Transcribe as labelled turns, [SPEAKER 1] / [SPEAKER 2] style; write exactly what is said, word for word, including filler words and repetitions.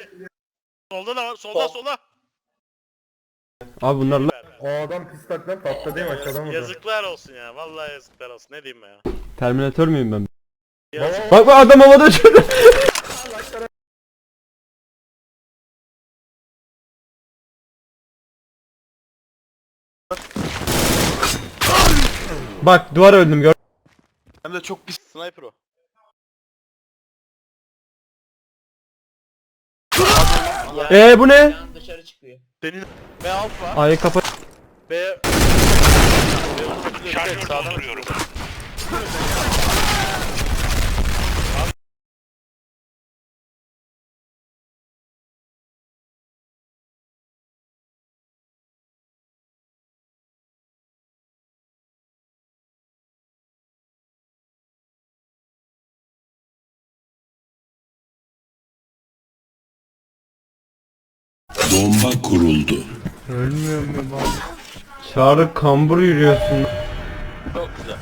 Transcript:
[SPEAKER 1] Solda da var. Solda solda.
[SPEAKER 2] Abi bunlarla
[SPEAKER 3] O adam pis taklan tatlı değil mi aşağıdan vurdu.
[SPEAKER 1] Yazıklar olsun ya. Vallahi yazıklar olsun. Ne diyeyim ben ya.
[SPEAKER 2] Terminator müyüm ben?
[SPEAKER 1] Yazık.
[SPEAKER 2] Bak bak adam havada uçuyordu. Bak duvar öldüm gör.
[SPEAKER 1] Hem de çok pis. Sniper o.
[SPEAKER 2] Eee bu ne?
[SPEAKER 4] Yan dışarı çıkıyor.
[SPEAKER 1] Senin B alfa.
[SPEAKER 2] Ay kapat.
[SPEAKER 1] B... Şarjör dolduruyorum.
[SPEAKER 5] Bomba kuruldu.
[SPEAKER 2] Ölmüyorum ben abi. Çağrı kambur yürüyorsun.
[SPEAKER 1] Çok güzel.